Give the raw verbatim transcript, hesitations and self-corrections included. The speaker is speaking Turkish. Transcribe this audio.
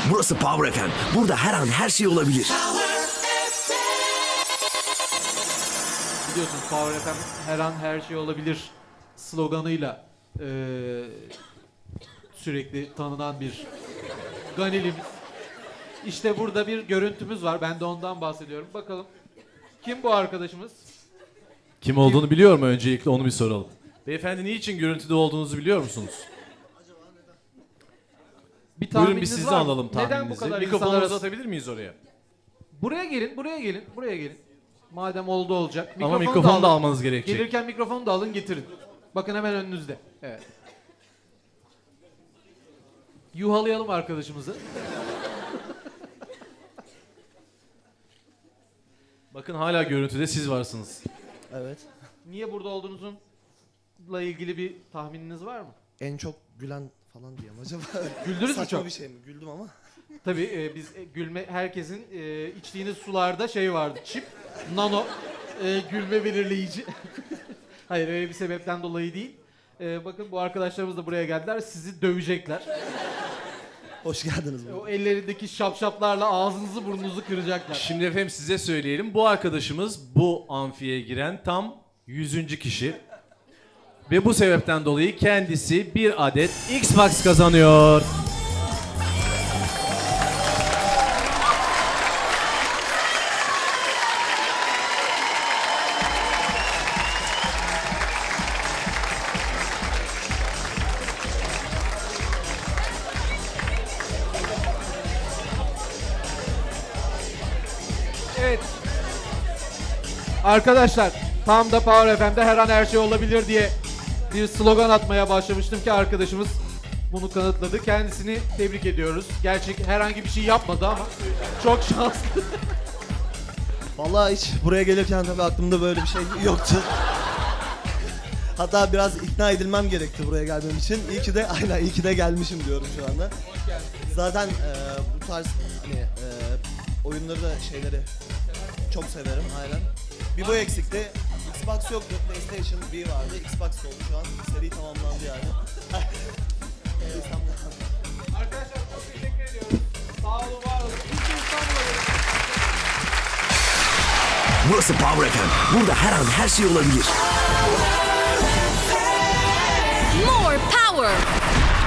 Burası Power F M. Burada her an her şey olabilir. Biliyorsunuz Power F M her an her şey olabilir sloganıyla eee, sürekli tanınan bir ganilimiz. İşte burada bir görüntümüz var. Ben de ondan bahsediyorum. Bakalım kim bu arkadaşımız? Kim olduğunu biliyor mu öncelikle onu bir soralım. Beyefendi niçin görüntüde olduğunuzu biliyor musunuz? Bir Buyurun bir tahmininiz sizi var mı? alalım Neden bu tahmininizi. kadar Mikrofonu insanlar arası- uzatabilir miyiz oraya? Buraya gelin, buraya gelin, buraya gelin. Madem oldu olacak. Ama Mikrofonu mikrofonu da alın. almanız gerekecek. Gelirken mikrofonu da alın getirin. Bakın hemen önünüzde. Evet. Yuhalayalım arkadaşımızı. Bakın hala görüntüde siz varsınız. Evet. Niye burada olduğunuzla ilgili bir tahmininiz var mı? En çok gülen falan diyeyim acaba. Güldünüz mü Saçma çok? bir şey mi? Güldüm ama. Tabii e, biz e, gülme herkesin e, içtiğiniz sularda şey vardı. Çip, nano, e, gülme belirleyici. Hayır öyle bir sebepten dolayı değil. E, bakın bu arkadaşlarımız da buraya geldiler. Sizi dövecekler. Hoş geldiniz. E, bu. o ellerindeki şapşaplarla ağzınızı burnunuzu kıracaklar. Şimdi efendim size söyleyelim. Bu arkadaşımız bu amfiye giren tam yüzüncü kişi. Ve bu sebepten dolayı kendisi bir adet Xbox kazanıyor. Evet. Arkadaşlar tam da Power F M'de her an her şey olabilir diye bir slogan atmaya başlamıştım ki arkadaşımız bunu kanıtladı. Kendisini tebrik ediyoruz. Gerçek herhangi bir şey yapmadı ama çok şanslı. Vallahi hiç buraya gelirken tabii aklımda böyle bir şey yoktu. Hatta biraz ikna edilmem gerekti buraya gelmem için. İyi ki de aynen iyi ki de gelmişim diyorum şu anda. Zaten e, bu tarz hani e, oyunları da şeyleri çok severim aynen. Bir bu eksikti. Xbox yoktu. PlayStation bir vardı. Xbox oldu şu an. Seri tamamlandı yani. Arkadaşlar çok teşekkür ediyoruz. Sağ olun, var olun. Biz de İstanbul'a gelin. Burası Power F M. Burada her an her şey olabilir. More power.